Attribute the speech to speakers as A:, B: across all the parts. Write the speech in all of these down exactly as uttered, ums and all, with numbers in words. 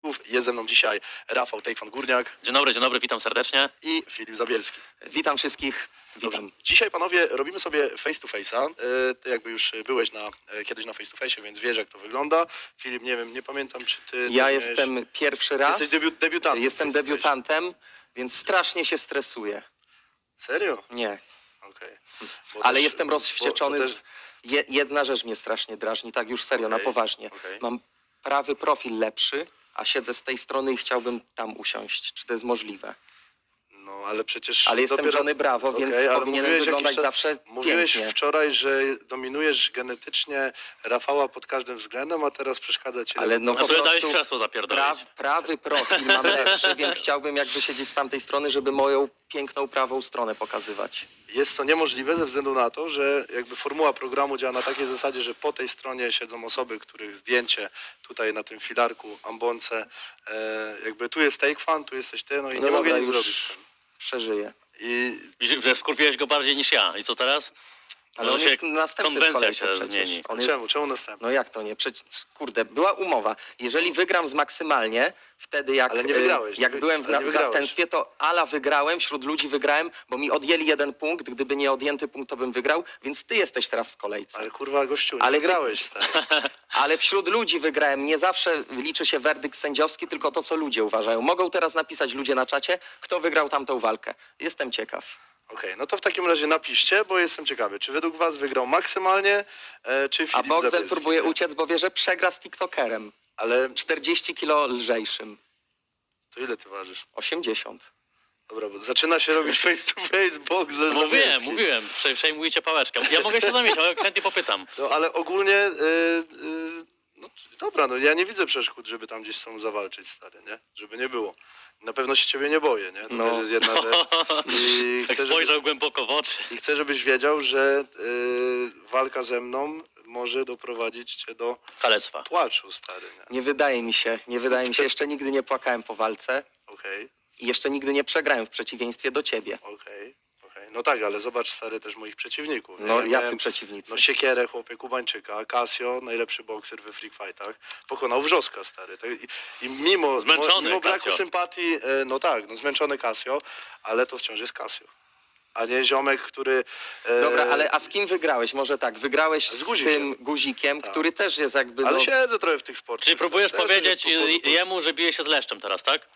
A: Jest ze mną dzisiaj Rafał Tejkwan-Górniak.
B: Dzień dobry, dzień dobry, witam serdecznie.
A: I Filip Zabielski.
C: Witam wszystkich.
A: Dobrze.
C: Witam.
A: Dzisiaj, panowie, robimy sobie face to face'a. E, Ty jakby już byłeś na, e, kiedyś na face to face, więc wiesz, jak to wygląda. Filip, nie wiem, nie pamiętam, czy ty...
C: Ja
A: miałeś...
C: jestem pierwszy raz.
A: Jesteś debiut, debiutantem.
C: Jestem
A: face to face.
C: debiutantem, więc strasznie się stresuję.
A: Serio?
C: Nie,
A: Okej. Bo
C: ale
A: też-
C: jestem rozwścieczony.
A: bo- bo też-
C: Z... Je, jedna rzecz mnie strasznie drażni, tak już serio, na
A: Okej,
C: poważnie.
A: okej.
C: Mam prawy profil lepszy, a siedzę z tej strony i chciałbym tam usiąść. Czy to jest możliwe?
A: No, ale przecież...
C: Ale jestem
A: dopiero...
C: Johnny Bravo,
A: Okej,
C: więc
A: ale
C: powinienem
A: mówiłeś
C: wyglądać
A: jakiś czas-
C: zawsze
A: Mówiłeś
C: pięknie.
A: wczoraj, że dominujesz genetycznie Rafała pod każdym względem, a teraz przeszkadza ci...
C: Ale
A: lewy
C: no
A: profil.
B: A sobie
C: po
B: dałeś
C: prostu
B: krzesło zapierdolić.
C: Pra, prawy profil mam lepszy, więc chciałbym jakby siedzieć z tamtej strony, żeby moją piękną prawą stronę pokazywać.
A: Jest to niemożliwe ze względu na to, że jakby formuła programu działa na takiej zasadzie, że po tej stronie siedzą osoby, których zdjęcie tutaj na tym filarku, ambonce, e, jakby tu jest Tejkwan, tu jesteś ty, no i
C: No
A: nie mogę
C: dobra,
A: nic
C: już
A: zrobić z tym.
C: Przeżyję.
A: I
B: Widzisz, że wkurwiłeś go bardziej niż ja. I co teraz?
C: Ale
B: Może
C: on
B: się
C: jest następny w
B: konwencja
C: kolejce
B: się
C: przecież.
B: zmieni.
C: On jest...
A: czemu? Czemu następny?
C: No jak to nie? Przecież, kurde, była umowa. Jeżeli wygram z maksymalnie, wtedy jak,
A: Ale nie
C: e,
A: wygrałeś,
C: jak
A: nie wy-
C: byłem w,
A: ale
C: na,
A: nie
C: w
A: wygrałeś.
C: zastępstwie, to ala wygrałem, wśród ludzi wygrałem, bo mi odjęli jeden punkt. Gdyby nie odjęty punkt, to bym wygrał, więc ty jesteś teraz w kolejce.
A: Ale kurwa gościu, nie
C: Ale ty-
A: wygrałeś, stary.
C: Ale wśród ludzi wygrałem. Nie zawsze liczy się werdykt sędziowski, tylko to, co ludzie uważają. Mogą teraz napisać ludzie na czacie, kto wygrał tamtą walkę. Jestem ciekaw.
A: Okej, no to w takim razie napiszcie, bo jestem ciekawy, czy według was wygrał maksymalnie, e, czy Filip
C: A Boxel
A: Zabielski?
C: próbuje uciec, bo wie, że przegra z TikTokerem.
A: Ale
C: czterdzieści kilo lżejszym.
A: to ile ty ważysz?
C: osiemdziesiąt.
A: Dobra, bo zaczyna się robić face to face, Boxel
B: Mówiłem,
A: Zabielski.
B: mówiłem, prze- przejmujcie pałeczkę. Ja mogę się zamieć, ale chętnie popytam.
A: No ale ogólnie, yy, yy, no dobra, no ja nie widzę przeszkód, żeby tam gdzieś z sobą zawalczyć, stary, nie? Żeby nie było. Na pewno się ciebie nie boję, nie? To
C: No.
A: też jest jedna rzecz. I
B: Jak
A: chcę, żeby,
B: spojrzał głęboko w oczy.
A: I chcę, żebyś wiedział, że yy, walka ze mną może doprowadzić cię do
B: Kalectwa.
A: płaczu, stary, nie?
C: Nie wydaje mi się, nie wydaje mi się. Jeszcze nigdy nie płakałem po walce
A: Okej,
C: i jeszcze nigdy nie przegrałem w przeciwieństwie do ciebie.
A: okej, okej. No tak, ale zobacz, stary, też moich przeciwników. nie?
C: No,
A: Ja
C: jacy
A: miałem-
C: przeciwnicy?
A: No siekierę, chłopie, Kubańczyka, Casio, najlepszy bokser we freak fightach, pokonał Wrzoska, stary. Tak, I, i mimo,
B: Zmęczony
A: mimo braku
B: Casio.
A: sympatii, e, no tak, no zmęczony Casio, ale to wciąż jest Casio. A nie ziomek, który... e,
C: Dobra, ale a z kim wygrałeś? Może tak, wygrałeś
A: Z
C: z,
A: Guzikiem.
C: tym guzikiem,
A: Tak.
C: który też jest jakby...
A: Ale
C: no,
A: siedzę trochę w tych sportach.
B: Czyli próbujesz
A: Też
B: powiedzieć
A: sobie po- po- po-
B: jemu, że bije się z leszczem teraz, tak?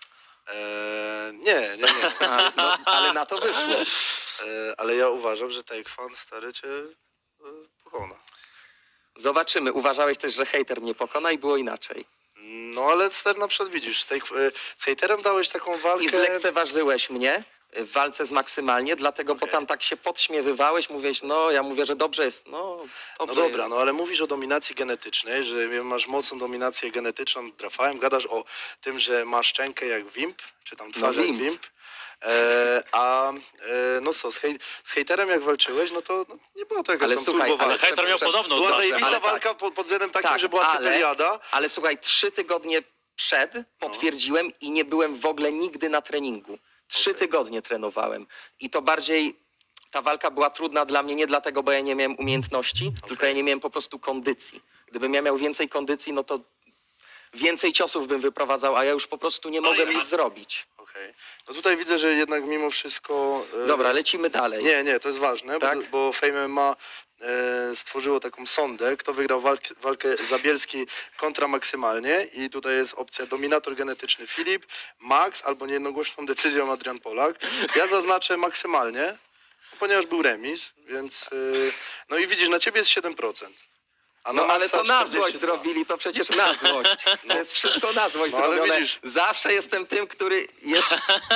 A: E, nie, nie, nie.
C: A, no, ale na to wyszło.
A: E, ale ja uważam, że Tejkwan, stary, cię e, pokona.
C: Zobaczymy. Uważałeś też, że hejter mnie pokona i było inaczej.
A: No ale stary, na przykład widzisz, z, tej, e, z hejterem dałeś taką walkę...
C: I zlekceważyłeś mnie w walce z maksymalnie, dlatego
A: Okej.
C: bo tam tak się podśmiewywałeś, mówiłeś, no ja mówię, że dobrze jest, no
A: No
C: dobrze
A: dobra,
C: jest.
A: no ale mówisz o dominacji genetycznej, że masz mocną dominację genetyczną nad Rafałem, gadasz o tym, że masz szczękę jak Wimp, czy tam twarz
C: No,
A: jak
C: Wimp.
A: Wimp. E, a e, no co, z, hej, z hejterem jak walczyłeś, no to no, nie było to jakaś
C: Ale
A: tam
C: słuchaj,
A: turbo
C: ale
A: walka.
B: Hejter miał
C: prze-
B: podobną
A: Była
B: zawsze,
A: zajebista
C: ale tak.
A: walka pod, pod względem takim,
C: Tak,
A: że była
C: ale-
A: cyperiada.
C: Ale słuchaj, trzy tygodnie przed potwierdziłem i nie byłem w ogóle nigdy na treningu. Trzy
A: Okej.
C: tygodnie trenowałem. I to bardziej ta walka była trudna dla mnie nie dlatego, bo ja nie miałem umiejętności, tylko ja nie miałem po prostu kondycji. Gdybym ja miał więcej kondycji, no to więcej ciosów bym wyprowadzał, a ja już po prostu nie mogłem nic zrobić.
A: Okej. No tutaj widzę, że jednak mimo wszystko... e,
C: Dobra, lecimy dalej.
A: Nie, nie, to jest ważne,
C: Tak?
A: bo, bo Fame M M A e, stworzyło taką sondę, kto wygrał walkę, walkę Zabielski kontra maksymalnie i tutaj jest opcja dominator genetyczny Filip, Max albo niejednogłośną decyzją Adrian Polak. Ja zaznaczę maksymalnie, ponieważ był remis, więc... E, no i widzisz, na ciebie jest siedem procent. A
C: No
A: na
C: ale
A: Maxa
C: to na
A: czterdzieści dwa.
C: złość zrobili, to przecież na złość. To jest wszystko na złość
A: No, ale
C: zrobione.
A: widzisz.
C: Zawsze jestem tym, który jest...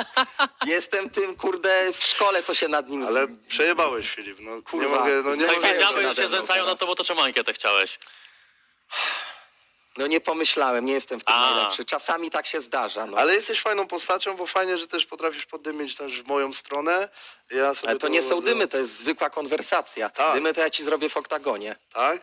C: jestem tym, kurde, w szkole, co się nad nim... z-
A: Ale przejebałeś, Filip, no nie
C: Kurwa,
A: mogę... No, nie
C: znajdziemy
B: Jak
A: mogę...
C: się
B: wiedziałeś, że
C: nade
B: się
C: mną
B: znęcają
C: teraz.
B: na to, bo to czemu ankietę chciałeś?
C: No nie pomyślałem, nie jestem w tym
B: A.
C: najlepszy. Czasami tak się zdarza, no. Ale,
A: Ale jesteś fajną postacią, bo fajnie, że też potrafisz poddymić też w moją stronę. Ja sobie
C: to nie są
A: bardzo-
C: dymy, to jest zwykła konwersacja.
A: Tak.
C: Dymy to ja ci zrobię w oktagonie.
A: Tak?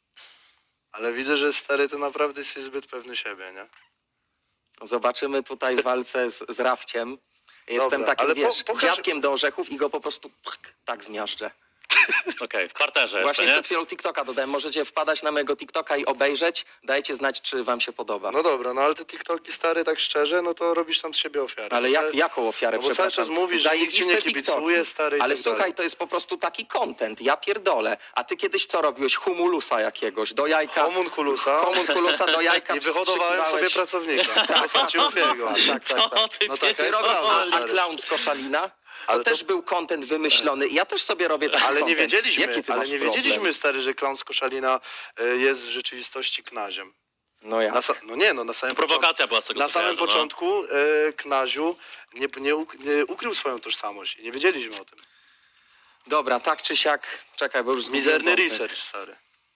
A: Ale widzę, że stary, to naprawdę jesteś zbyt pewny siebie, nie?
C: Zobaczymy tutaj w walce z, z Rafciem. Jestem
A: Dobra,
C: takim,
A: ale po-
C: wiesz,
A: pokaż-
C: dziadkiem do orzechów i go po prostu pch, tak zmiażdżę.
B: Okej, w parterze
C: Właśnie
B: jeszcze, nie?
C: przed chwilą TikToka dodałem. Możecie wpadać na mojego TikToka i obejrzeć. Dajcie znać, czy wam się podoba.
A: No dobra, no ale te TikToki stary, tak szczerze, no to robisz tam z siebie ofiarę.
C: Ale
A: No
C: jak,
A: ca-
C: jaką ofiarę,
A: No bo cały
C: przepraszam?
A: czas mówisz, że nikt ci nie
C: Zajebiste
A: kibicuje,
C: TikToki.
A: stary, i
C: Ale
A: tak
C: słuchaj,
A: dalej.
C: to jest po prostu taki content, ja pierdolę. A ty kiedyś co robiłeś? Humulusa jakiegoś, do jajka.
A: Homunculusa
C: Homunculusa do jajka
A: i wyhodowałem sobie
C: wstrzykiwałeś.
A: pracownika w postaci Ufiego.
C: Tak, tak,
B: Co
C: tak.
B: ty
A: No taka
C: Ty
A: jest
C: robisz,
A: prawda,
C: a, a
A: stary.
C: clown z Koszalina? To
A: Ale to-
C: też był content wymyślony. Ja też sobie robię taki
A: Ale nie
C: content.
A: wiedzieliśmy,
C: Jaki ty
A: ale
C: masz
A: nie
C: problem?
A: wiedzieliśmy, stary, że klaun z Koszalina y, jest w rzeczywistości knaziem.
C: No ja.
A: Na sa- no nie, no na samym
B: Prowokacja była z tego,
A: Na
B: co
A: samym
B: kojarzę, no.
A: początku y, Knaziu nie, nie, uk- nie ukrył swoją tożsamość i nie wiedzieliśmy o tym.
C: Dobra, tak czy siak. Czekaj, bo już zgubiłem
A: Mizerny
C: wątek.
A: research, stary.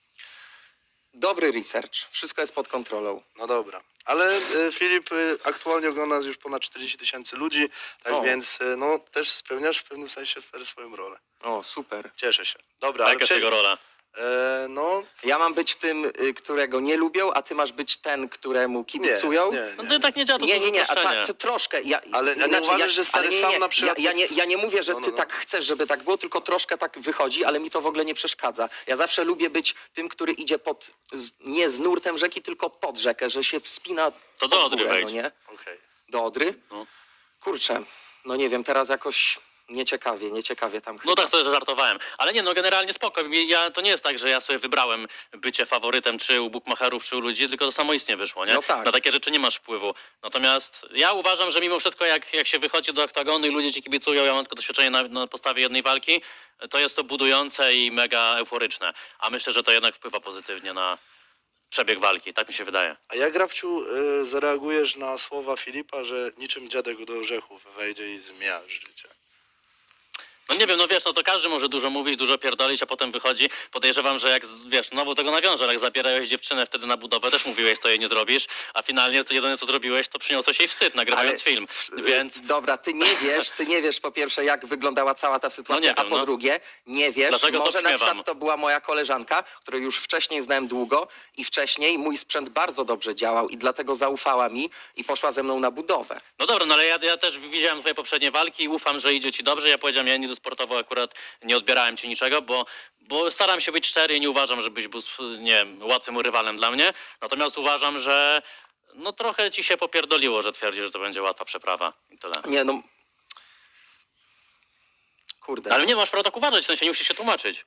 C: Dobry research. Wszystko jest pod kontrolą.
A: No dobra. Ale y, Filip, y, aktualnie ogląda nas już ponad czterdzieści tysięcy ludzi, tak
C: O.
A: więc y, no też spełniasz w pewnym sensie, stary, swoją rolę.
C: O, super.
A: Cieszę się. Dobra,
B: A
A: ale
B: jaka jest
A: przejdź-
B: jego rola?
A: e, no
C: Ja mam być tym, y, którego nie lubią, a ty masz być ten, któremu
A: nie,
C: kibicują?
A: nie,
B: No
A: nie.
B: to tak nie działa, to
C: Nie,
B: jest
C: nie, nie, a
B: uproszczenie.
C: tak, to troszkę. Ja,
A: Ale- a nie
C: inaczej,
A: uważasz, że stary
C: ale nie,
A: sam
C: nie,
A: na przykład-
C: Ja, ja, nie, ja nie mówię, że
A: No, no,
C: ty
A: no.
C: tak chcesz, żeby tak było, tylko troszkę tak wychodzi, ale mi to w ogóle nie przeszkadza. Ja zawsze lubię być tym, który idzie pod, z, nie z nurtem rzeki, tylko pod rzekę, że się wspina
B: To do
C: pod
B: Odry
C: górę,
B: wejdź.
C: no nie?
A: Okej.
C: Do Odry?
B: No.
C: Kurczę, no nie wiem, teraz jakoś nieciekawie, nieciekawie tam chyba.
B: No tak sobie żartowałem. Ale nie, no generalnie spoko. Ja, to nie jest tak, że ja sobie wybrałem bycie faworytem czy u bukmacherów, czy u ludzi, tylko to samoistnie wyszło, nie?
C: No tak.
B: Na takie rzeczy nie masz wpływu. Natomiast ja uważam, że mimo wszystko jak, jak się wychodzi do oktagonu i ludzie ci kibicują, ja mam tylko doświadczenie na, na podstawie jednej walki, to jest to budujące i mega euforyczne. A myślę, że to jednak wpływa pozytywnie na przebieg walki. Tak mi się wydaje.
A: A jak, Grafciu, y, zareagujesz na słowa Filipa, że niczym dziadek do orzechów wejdzie i zmiażdży cię?
B: No nie wiem, no wiesz, no to każdy może dużo mówić, dużo pierdolić, a potem wychodzi. Podejrzewam, że jak, z- wiesz, znowu tego nawiążę, ale jak zabierałeś dziewczynę wtedy na budowę, też mówiłeś, co jej nie zrobisz, a finalnie to jedyne, co zrobiłeś, to przyniosłeś jej wstyd, nagrywając
C: Ale-
B: film. Więc
C: Dobra, ty nie wiesz, ty nie wiesz po pierwsze, jak wyglądała cała ta sytuacja,
B: No nie
C: a
B: wiem,
C: po
B: no.
C: drugie, nie wiesz,
B: Dlaczego to
C: może na
B: śmiewam?
C: przykład to była moja koleżanka, którą już wcześniej znałem długo i wcześniej mój sprzęt bardzo dobrze działał i dlatego zaufała mi i poszła ze mną na budowę.
B: no dobra, no ale ja, ja też widziałem twoje poprzednie walki i ufam, że idzie ci dobrze. Ja powiedziałem, ja nigdy sportowo akurat nie odbierałem ci niczego, bo, bo staram się być szczery i nie uważam, żebyś był, nie wiem, łatwym rywalem dla mnie. Natomiast uważam, że no trochę ci się popierdoliło, że twierdzisz, że to będzie łatwa przeprawa i tyle.
C: Nie no... Kurde.
B: Ale nie masz prawa tak uważać, w sensie nie musisz się tłumaczyć.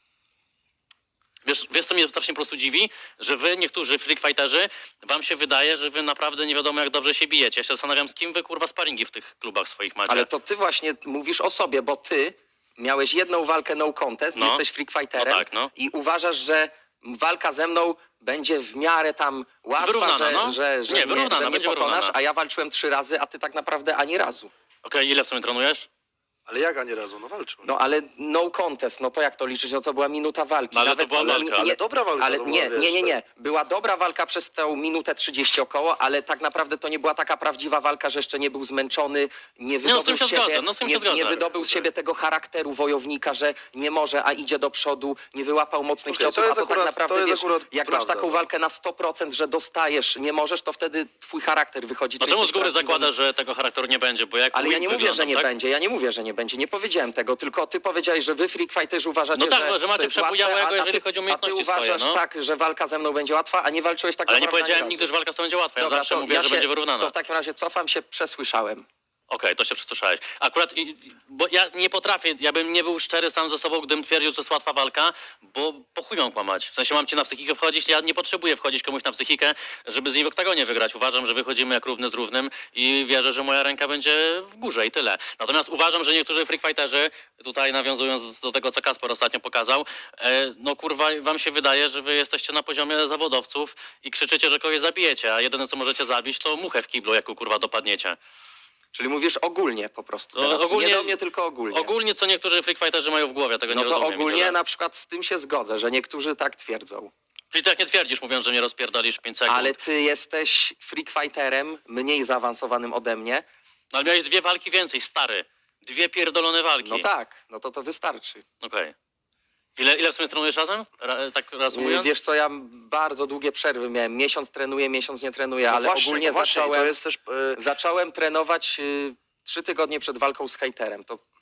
B: Wiesz, wiesz, co mnie strasznie po prostu dziwi? Że wy, niektórzy freak fighterzy, wam się wydaje, że wy naprawdę nie wiadomo jak dobrze się bijecie. Ja się zastanawiam, z kim wy kurwa sparingi w tych klubach swoich macie.
C: Ale to ty właśnie mówisz o sobie, bo ty miałeś jedną walkę no contest,
B: No.
C: jesteś freak fighterem
B: No tak, no.
C: i uważasz, że walka ze mną będzie w miarę tam łatwa,
B: Wyrównana,
C: że,
B: no.
C: że, że
B: Nie,
C: nie,
B: wyrównana,
C: że nie
B: będzie
C: pokonasz,
B: wyrównana.
C: a ja walczyłem trzy razy, a ty tak naprawdę ani razu.
B: Okej, ile w sumie trenujesz?
A: Ale jak ani razu? No walczył.
C: No ale no contest, no to jak to liczyć? No to była minuta walki.
B: No, ale to była
C: nie-
B: walka.
C: nie-
A: Ale dobra walka
C: Ale
A: to
C: nie,
A: była, wiesz,
C: nie, nie, nie.
A: tak.
C: Była dobra walka przez tę minutę trzydzieści około, ale tak naprawdę to nie była taka prawdziwa walka, że jeszcze nie był zmęczony, nie
B: no, z
C: wydobył
B: tym się
C: z siebie,
B: zgodzę, no, z tym się
C: nie,
B: zgodzę.
C: nie wydobył z siebie tego charakteru wojownika, że nie może, a idzie do przodu, nie wyłapał mocnych
A: Okej, to
C: ciosów,
A: jest
C: a to tak
A: akurat-
C: naprawdę,
A: to jest
C: wiesz,
A: akurat
C: jak
A: prawda,
C: masz taką
A: no.
C: walkę na sto procent, że dostajesz, nie możesz, to wtedy twój charakter wychodzi.
B: No
C: czy
B: czemu z
C: jesteś
B: góry
C: prawdziwym-
B: zakładasz, że tego charakteru nie będzie? Bo jak
C: Ale ja
B: Win
C: nie mówię, że
B: wyglądam,
C: nie
B: tak?
C: będzie, ja nie mówię, że nie będzie, nie powiedziałem tego, tylko ty powiedziałeś, że wy freak fighterzy uważacie,
B: No tak,
C: że,
B: że macie
C: to jest
B: przebujałego,
C: łatwe, a, a
B: jeżeli
C: ty,
B: chodzi o
C: a ty
B: umiejętności swoje,
C: uważasz
B: no.
C: tak, że walka ze mną będzie łatwa, a nie walczyłeś tak
B: Ale nie
C: naprawdę ani
B: powiedziałem
C: razu.
B: nigdy, że walka z tobą będzie łatwa. Ja
C: Dobra,
B: zawsze
C: to
B: mówię,
C: ja
B: że
C: się-
B: będzie wyrównana.
C: To w takim razie cofam się, przesłyszałem.
B: Okej, to się przesłyszałeś. Akurat, i- i- bo ja nie potrafię, ja bym nie był szczery sam ze sobą, gdybym twierdził, że to jest łatwa walka, bo po chuj mam kłamać. W sensie mam cię na psychikę wchodzić, ja nie potrzebuję wchodzić komuś na psychikę, żeby z niej w oktagonie wygrać. Uważam, że wychodzimy jak równy z równym i wierzę, że moja ręka będzie w górze i tyle. Natomiast uważam, że niektórzy freak fighterzy, tutaj nawiązując do tego, co Kasper ostatnio pokazał, e, no kurwa, wam się wydaje, że wy jesteście na poziomie zawodowców i krzyczycie, że kogoś zabijecie, a jedyne, co możecie zabić, to muchę w kiblu, jaką kurwa dopadniecie.
C: Czyli mówisz ogólnie po prostu
B: No,
C: teraz.
B: ogólnie-
C: Nie do mnie, tylko ogólnie.
B: Ogólnie, co niektórzy freak fighterzy mają w głowie, tego
C: No
B: nie
C: to
B: rozumiem. i
C: ogólnie
B: tyle.
C: na przykład z tym się zgodzę, że niektórzy tak twierdzą.
B: Ty tak nie twierdzisz, mówiąc, że mnie rozpierdolisz w pięć sekund.
C: Ale ty jesteś freak fighterem, mniej zaawansowanym ode mnie.
B: No, ale miałeś dwie walki więcej, stary. Dwie pierdolone walki.
C: No tak, no to to wystarczy.
B: Okej. Ile, ile w sumie trenujesz razem? Ra, tak reasumując?
C: Wiesz co, ja bardzo długie przerwy miałem. Miesiąc trenuję, miesiąc nie trenuję,
A: No
C: ale
A: właśnie,
C: ogólnie
A: no właśnie, i
C: zacząłem,
A: to jest też... e,
C: zacząłem trenować y, trzy tygodnie przed walką z hejterem. To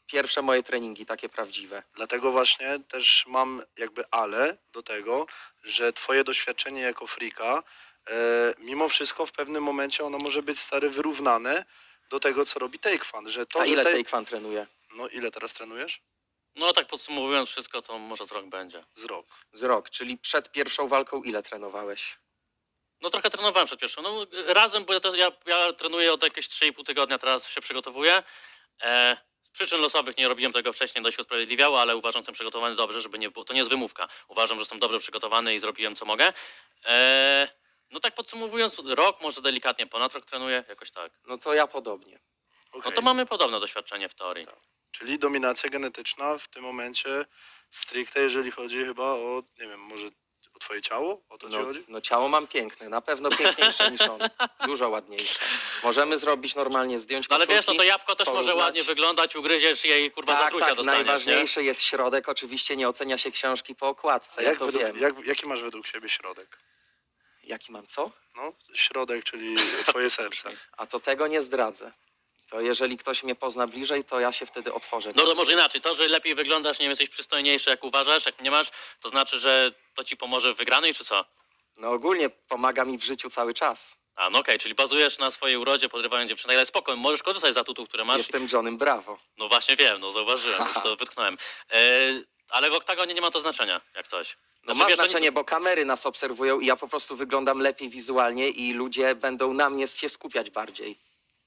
C: pierwsze moje treningi, takie prawdziwe.
A: Dlatego właśnie też mam jakby ale do tego, że twoje doświadczenie jako freaka, e, mimo wszystko w pewnym momencie ono może być stary wyrównane do tego, co robi Take Fan, że to,
C: A
A: że
C: ile
A: te-
C: Take Fan trenuje?
A: No ile teraz trenujesz?
B: No tak podsumowując wszystko, to może z rok będzie.
A: Z rok.
C: Z rok, czyli przed pierwszą walką ile trenowałeś?
B: No trochę trenowałem przed pierwszą. No razem, bo ja, to, ja, ja trenuję od jakieś trzy i pół tygodnia, teraz się przygotowuję. E, z przyczyn losowych nie robiłem tego wcześniej, dość się usprawiedliwiało, ale uważam, że jestem przygotowany dobrze, żeby nie było, to nie jest wymówka. Uważam, że jestem dobrze przygotowany i zrobiłem co mogę. E, no tak podsumowując, rok, może delikatnie ponad rok trenuję, jakoś tak.
C: No to ja podobnie.
B: No
A: Okej.
B: to mamy podobne doświadczenie w teorii.
A: Tak. Czyli dominacja genetyczna w tym momencie stricte, jeżeli chodzi chyba o, nie wiem, może o twoje ciało? O to ci
C: No,
A: chodzi?
C: no ciało mam piękne, na pewno piękniejsze niż on. Dużo ładniejsze. Możemy zrobić normalnie zdjąć
B: No ale wiesz, no to
C: koszulki,
B: jabłko też może
C: porównać.
B: ładnie wyglądać, ugryziesz jej i kurwa
C: Tak,
B: zatrucia
C: tak,
B: dostaniesz, nie?
C: najważniejszy jest środek. Oczywiście nie ocenia się książki po okładce,
A: A
C: ja
A: jak
C: to
A: według,
C: wiem.
A: jak, jaki masz według siebie środek?
C: Jaki mam co?
A: No, środek, czyli twoje serce.
C: A to tego nie zdradzę. To jeżeli ktoś mnie pozna bliżej, to ja się wtedy otworzę.
B: No to może inaczej, to, że lepiej wyglądasz, nie wiem, jesteś przystojniejszy, jak uważasz, jak nie masz, to znaczy, że to ci pomoże w wygranej, czy co?
C: No ogólnie pomaga mi w życiu cały czas.
B: A, no okej, czyli bazujesz na swojej urodzie, podrywając dziewczynę, ale spoko, możesz korzystać z atutów, które masz.
C: Jestem Johnem Bravo.
B: No właśnie wiem, no zauważyłem, już to wytknąłem. E, ale w oktagonie nie ma to znaczenia, jak coś.
C: No
B: Znaczy,
C: ma
B: wiesz, to nie-
C: znaczenie, bo kamery nas obserwują i ja po prostu wyglądam lepiej wizualnie i ludzie będą na mnie się skupiać bardziej.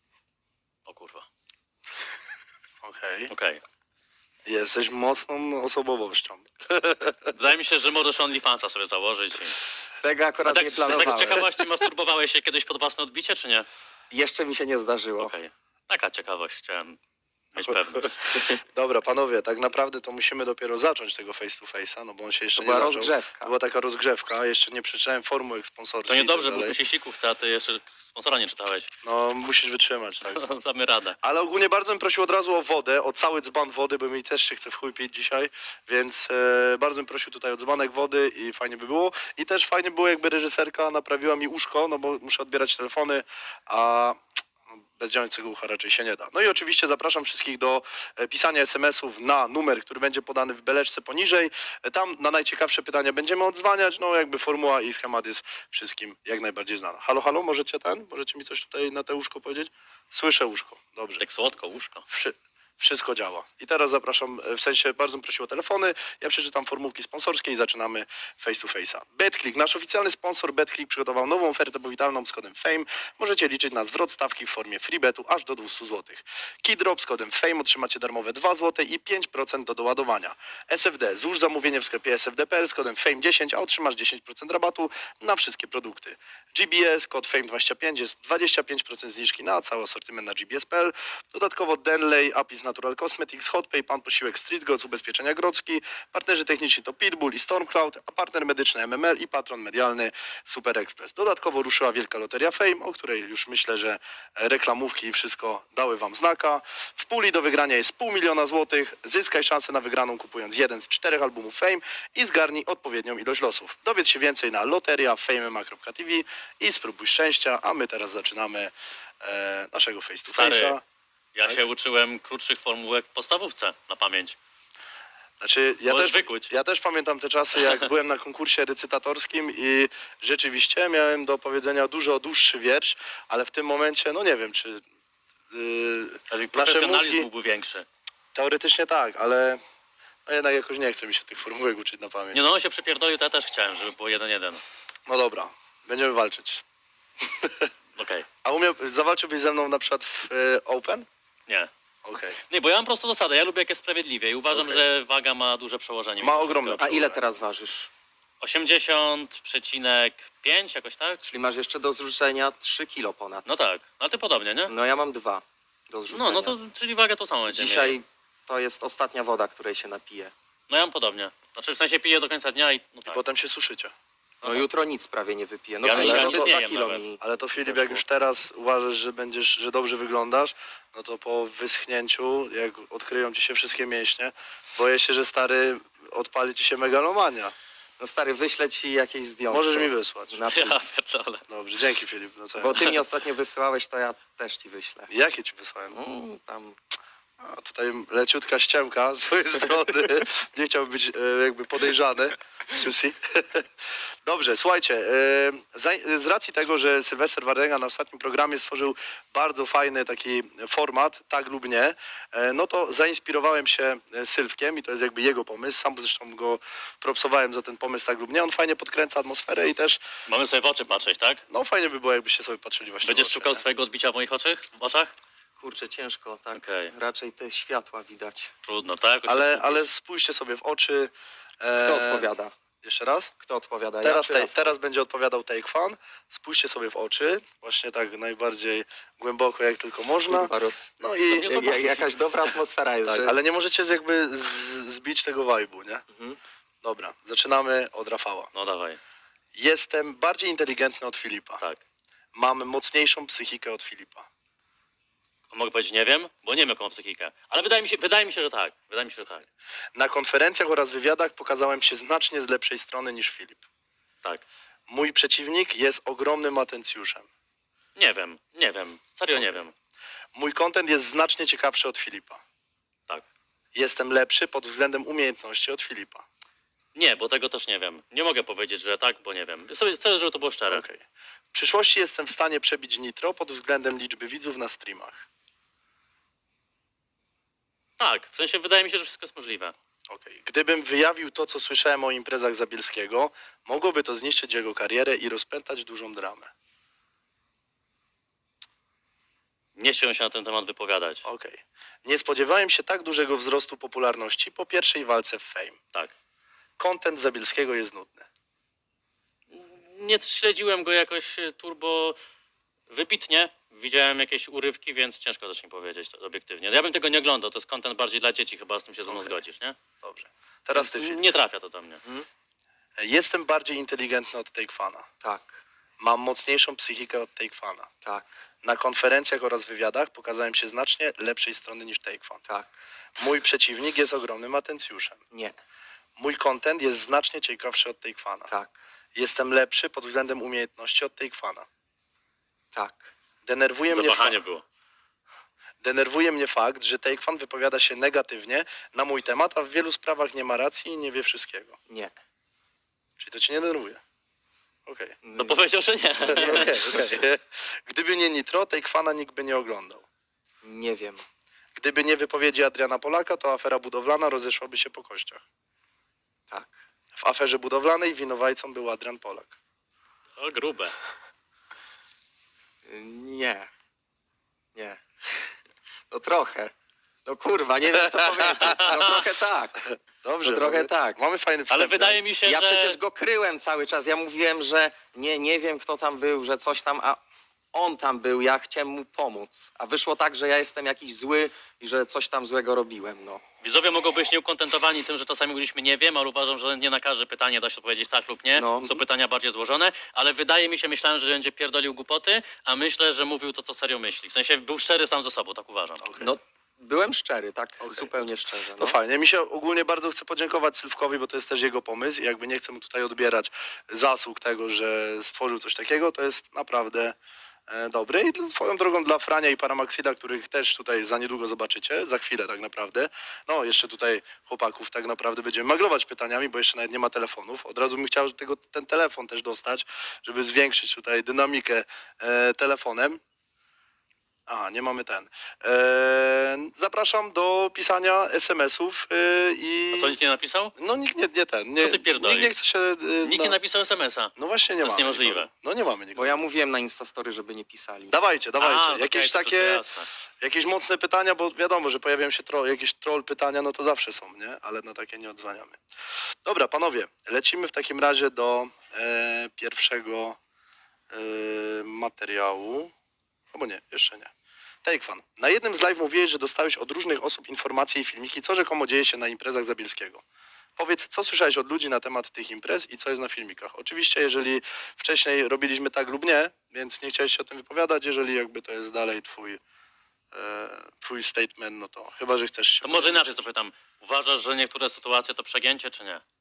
B: O kurwa,
A: Okej.
B: okej.
A: Jesteś mocną osobowością.
B: Wydaje mi się, że możesz OnlyFansa sobie założyć. I...
C: Tego
B: A
C: akurat
B: tak,
C: nie
B: tak
C: planowałem.
B: z ciekawości, masturbowałeś się kiedyś pod własne odbicie, czy nie?
C: Jeszcze mi się nie zdarzyło.
B: Okej. Taka ciekawość, chciałem mieć pewność.
A: Dobra, panowie, tak naprawdę to musimy dopiero zacząć tego face to face'a, no bo on się jeszcze
C: To
A: nie
C: była
A: zaczął.
C: rozgrzewka.
A: To była taka rozgrzewka, jeszcze nie przeczytałem formułek sponsorskich.
B: To
A: i tak
B: niedobrze,
A: dalej.
B: bo się siku chce, a ty jeszcze sponsora nie czytałeś.
A: No, musisz wytrzymać, tak.
B: Damy radę.
A: Ale ogólnie bardzo bym prosił od razu o wodę, o cały dzban wody, bo mi też się chce w chuj pić dzisiaj, więc e, bardzo bym prosił tutaj o dzbanek wody i fajnie by było. I też fajnie było, jakby reżyserka naprawiła mi uszko, no bo muszę odbierać telefony, a bez działającego ucha raczej się nie da. No i oczywiście zapraszam wszystkich do e, pisania es em esów na numer, który będzie podany w beleczce poniżej. E, Tam na najciekawsze pytania będziemy odzwaniać, no jakby formuła i schemat jest wszystkim jak najbardziej znana. Halo, halo, możecie ten? Możecie mi coś tutaj na te łóżko powiedzieć? Słyszę łóżko, dobrze.
B: Tak słodko, łóżko.
A: Wszy wszystko działa. I teraz zapraszam, w sensie bardzo bym prosił o telefony, ja przeczytam formułki sponsorskie i zaczynamy face to face'a. BetClick, nasz oficjalny sponsor BetClick przygotował nową ofertę powitalną z kodem FAME. Możecie liczyć na zwrot stawki w formie freebetu aż do dwieście złotych. Keydrop z kodem FAME otrzymacie darmowe dwa złote i pięć procent do doładowania. S F D, złóż zamówienie w sklepie S F D kropka P L z kodem FAME dziesięć, a otrzymasz dziesięć procent rabatu na wszystkie produkty. G B S, kod FAME dwadzieścia pięć, jest dwadzieścia pięć procent zniżki na cały asortyment na G B S kropka P L. Dodatkowo Denley, Apis Natural Cosmetics, Hotpay, Pan Posiłek, Street Goods, Ubezpieczenia Grodzki, partnerzy techniczni to Pitbull i Stormcloud, a partner medyczny M M L i patron medialny Super Express. Dodatkowo ruszyła wielka loteria Fame, o której już myślę, że reklamówki i wszystko dały wam znaka. W puli do wygrania jest pół miliona złotych. Zyskaj szansę na wygraną kupując jeden z czterech albumów Fame i zgarnij odpowiednią ilość losów. Dowiedz się więcej na loteria fame kropka t v i spróbuj szczęścia, a my teraz zaczynamy e, naszego face to
B: Stary.
A: face'a.
B: Ja
A: Tak?
B: się uczyłem krótszych formułek w podstawówce na pamięć.
A: Znaczy, ja
B: Możesz
A: też,
B: wykuć.
A: ja też pamiętam te czasy, jak byłem na konkursie recytatorskim i rzeczywiście miałem do powiedzenia dużo dłuższy wiersz, ale w tym momencie, no nie wiem, czy yy,
B: Czyli
A: nasze
B: profesjonalizm
A: mózgi,
B: byłby większy.
A: teoretycznie tak, ale no jednak jakoś nie chce mi się tych formułek uczyć na pamięć.
B: Nie no, on się przypierdolił, to ja też chciałem, żeby było jeden jeden.
A: No dobra, będziemy walczyć.
B: Okej,
A: A umie, zawalczyłbyś ze mną na przykład w y, Open?
B: nie.
A: Okej.
B: Nie, bo ja mam prostą zasadę, ja lubię jak jest sprawiedliwie i uważam,
A: Okej.
B: że waga ma duże przełożenie.
A: Ma
B: mimo
A: ogromne
B: wszystko.
C: A ile teraz ważysz?
B: osiemdziesiąt przecinek pięć jakoś tak?
C: Czyli masz jeszcze do zrzucenia trzy kilo ponad.
B: No tak, no ty podobnie, nie?
C: No ja mam dwa do zrzucenia.
B: No, no to czyli wagę tą samą będziemy mieli.
C: Dzisiaj to jest ostatnia woda, której się napiję.
B: No ja mam podobnie. Znaczy w sensie piję do końca dnia i no
A: I
B: tak.
A: potem się suszycie.
C: No
B: Aha.
C: jutro nic prawie nie wypiję. No
B: Ja
C: w sensie,
A: myślałem,
C: żeby
A: że
C: dwa
B: nie jem
C: kilo
B: nawet.
C: mi...
A: Ale to Filip,
C: Zeszło.
A: jak już teraz uważasz, że będziesz, że dobrze wyglądasz, no to po wyschnięciu, jak odkryją ci się wszystkie mięśnie, boję się, że stary odpali ci się megalomania.
C: No stary, wyślę ci jakieś zdjęcie.
A: Możesz mi wysłać.
C: Na
B: Ja pierdolę.
A: Dobrze, dzięki Filip. No co?
C: Bo ty mi ostatnio wysyłałeś, to ja też ci wyślę.
A: Jakie ci wysłałem?
C: Mm, tam
A: A tutaj leciutka ściemka z twojej strony. Nie chciałbym być e, jakby podejrzany. Susi. Dobrze, słuchajcie, e, za- z racji tego, że Sylwester Wardęga na ostatnim programie stworzył bardzo fajny taki format, tak lub nie, e, no to zainspirowałem się e, Sylwkiem i to jest jakby jego pomysł. Sam zresztą go propsowałem za ten pomysł, tak lub nie. On fajnie podkręca atmosferę i też,
B: Mamy sobie w oczy patrzeć, tak?
A: no fajnie by było, jakbyście sobie patrzyli właśnie
B: Będziesz
A: w oczy,
B: szukał
A: nie?
B: swojego odbicia w moich oczach? W oczach?
C: Kurczę, ciężko, tak.
B: Okej.
C: Raczej te światła widać.
B: Trudno, tak? Jakoś się
A: Ale,
B: skupić.
A: ale spójrzcie sobie w oczy. e,
C: Kto odpowiada?
A: Jeszcze raz?
C: Kto odpowiada?
A: Teraz,
C: ja,
A: te,
C: czy Rafał?
A: teraz będzie odpowiadał Take Fan. Spójrzcie sobie w oczy, właśnie tak najbardziej głęboko jak tylko można.
C: Kurwa, roz...
A: No
B: mnie
A: i
B: to
C: Ja,
B: bawi.
C: jakaś dobra atmosfera jest,
A: tak,
C: że...
A: ale nie możecie jakby z, zbić tego vibe'u, nie?
C: Mhm.
A: Dobra, zaczynamy od Rafała.
B: No dawaj,
A: Jestem bardziej inteligentny od Filipa.
B: tak.
A: Mam mocniejszą psychikę od Filipa.
B: Mogę powiedzieć nie wiem, bo nie wiem jaką mam psychikę. Ale wydaje mi się, wydaje mi się, że tak. Wydaje mi się, że tak.
A: Na konferencjach oraz wywiadach pokazałem się znacznie z lepszej strony niż Filip.
B: Tak.
A: Mój przeciwnik jest ogromnym atencjuszem.
B: Nie wiem, nie wiem. Serio nie wiem.
A: Mój content jest znacznie ciekawszy od Filipa.
B: Tak.
A: Jestem lepszy pod względem umiejętności od Filipa.
B: Nie, bo tego też nie wiem. Nie mogę powiedzieć, że tak, bo nie wiem. Sobie chcę, żeby to było szczere.
A: Okej. W przyszłości jestem w stanie przebić Nitro pod względem liczby widzów na streamach.
B: Tak, w sensie wydaje mi się, że wszystko jest możliwe.
A: Okej. Gdybym wyjawił to, co słyszałem o imprezach Zabielskiego, mogłoby to zniszczyć jego karierę i rozpętać dużą dramę.
B: Nie chciałem się na ten temat wypowiadać.
A: Okej. Nie spodziewałem się tak dużego wzrostu popularności po pierwszej walce w Fame.
B: Tak.
A: Content Zabielskiego jest nudny.
B: Nie śledziłem go jakoś e, turbo wybitnie. Widziałem jakieś urywki, więc ciężko też mi powiedzieć to obiektywnie. Ja bym tego nie oglądał, to jest content bardziej dla dzieci, chyba z tym się ze mną
A: Okej.
B: zgodzisz, nie?
A: Dobrze. Teraz ty, Filip.
B: Nie trafia to do mnie.
A: Jestem bardziej inteligentny od Takefana.
C: Tak,
A: Mam mocniejszą psychikę od Takefana.
C: tak,
A: Na konferencjach oraz wywiadach pokazałem się znacznie lepszej strony niż Takefan.
C: tak.
A: Mój przeciwnik jest ogromnym atencjuszem.
C: Nie,
A: Mój content jest znacznie ciekawszy od Takefana.
C: tak,
A: Jestem lepszy pod względem umiejętności od Takefana.
C: tak.
A: Denerwuje mnie, fa-
B: Zawahanie było.
A: denerwuje mnie fakt, że Takefan wypowiada się negatywnie na mój temat, a w wielu sprawach nie ma racji i nie wie wszystkiego.
C: Nie.
A: Czyli to cię nie denerwuje. Okej.
B: No powiedział, że nie.
A: Okej, okej. Gdyby nie Nitro, Takefana nikt by nie oglądał.
C: Nie wiem.
A: Gdyby nie wypowiedzi Adriana Polaka, to afera budowlana rozeszłaby się po kościach.
C: Tak.
A: W aferze budowlanej winowajcą był Adrian Polak.
B: O, grube.
C: Nie. Nie. No trochę. No kurwa, nie wiem co powiedzieć. No trochę tak.
A: Dobrze,
C: No trochę
A: mamy,
C: tak.
A: mamy fajny wstęp.
B: Ale wydaje mi się,
C: Ja
B: że...
C: przecież go kryłem cały czas. Ja mówiłem, że nie, nie wiem kto tam był, że coś tam, a on tam był, ja chciałem mu pomóc. A wyszło tak, że ja jestem jakiś zły i że coś tam złego robiłem, no.
B: Widzowie mogą być nieukontentowani tym, że czasami mówiliśmy nie wiem, ale uważam, że nie na każde pytanie da się odpowiedzieć tak lub nie.
C: No.
B: Są pytania bardziej złożone, ale wydaje mi się, myślałem, że będzie pierdolił głupoty, a myślę, że mówił to, co serio myśli. W sensie był szczery sam ze sobą, tak uważam.
A: Okej.
C: No, byłem szczery, tak
A: Okej.
C: zupełnie szczerze.
A: No
C: No.
A: fajnie. Mi się ogólnie bardzo chcę podziękować Sylwkowi, bo to jest też jego pomysł i jakby nie chcę mu tutaj odbierać zasług tego, że stworzył coś takiego, to jest naprawdę e, dobry. I dla- swoją drogą dla Frania i Paramaxida, których też tutaj za niedługo zobaczycie, za chwilę tak naprawdę. No jeszcze tutaj chłopaków tak naprawdę będziemy maglować pytaniami, bo jeszcze nawet nie ma telefonów. Od razu bym chciał tego, ten telefon też dostać, żeby zwiększyć tutaj dynamikę e, telefonem. A, nie mamy ten. Eee, zapraszam do pisania es em esów yy, i...
B: A co, nikt nie napisał?
A: No nikt nie, nie ten. Nie,
B: Co ty pierdolisz?
A: Nikt nie chce się... Yy,
B: Nikt nie napisał es em es a.
A: No właśnie nie
B: To jest
A: mamy
B: niemożliwe.
A: nikogo. No nie mamy
C: Bo
A: nikogo.
C: ja mówiłem na Instastory, żeby nie pisali.
A: Dawajcie, dawajcie.
B: A,
A: jakieś
B: okej, to
A: takie,
B: jasne.
A: jakieś mocne pytania, bo wiadomo, że pojawiają się tro, jakieś troll pytania, no to zawsze są, nie? Ale na takie nie odzwaniamy. Dobra, panowie, lecimy w takim razie do e, pierwszego e, materiału. Albo nie, jeszcze nie. Takefan. Na jednym z live mówiłeś, że dostałeś od różnych osób informacje i filmiki, co rzekomo dzieje się na imprezach Zabielskiego. Powiedz, co słyszałeś od ludzi na temat tych imprez i co jest na filmikach. Oczywiście, jeżeli wcześniej robiliśmy tak lub nie, więc nie chciałeś się o tym wypowiadać, jeżeli jakby to jest dalej twój, e, twój statement, no to chyba, że chcesz się...
B: To może inaczej zapytam. Uważasz, że niektóre sytuacje to przegięcie, czy nie?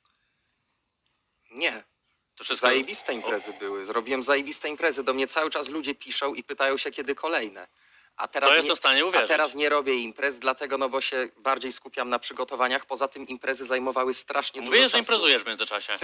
C: Nie.
B: To wszystko...
C: Zajebiste imprezy były. Zrobiłem zajebiste imprezy. Do mnie cały czas ludzie piszą i pytają się, kiedy kolejne. A teraz,
B: To
C: nie,
B: jestem w stanie
C: a
B: uwierzyć.
C: teraz nie robię imprez, dlatego no bo się bardziej skupiam na przygotowaniach. Poza tym imprezy zajmowały strasznie dużo
B: Mówię, że
C: czasu.
B: imprezujesz w międzyczasie.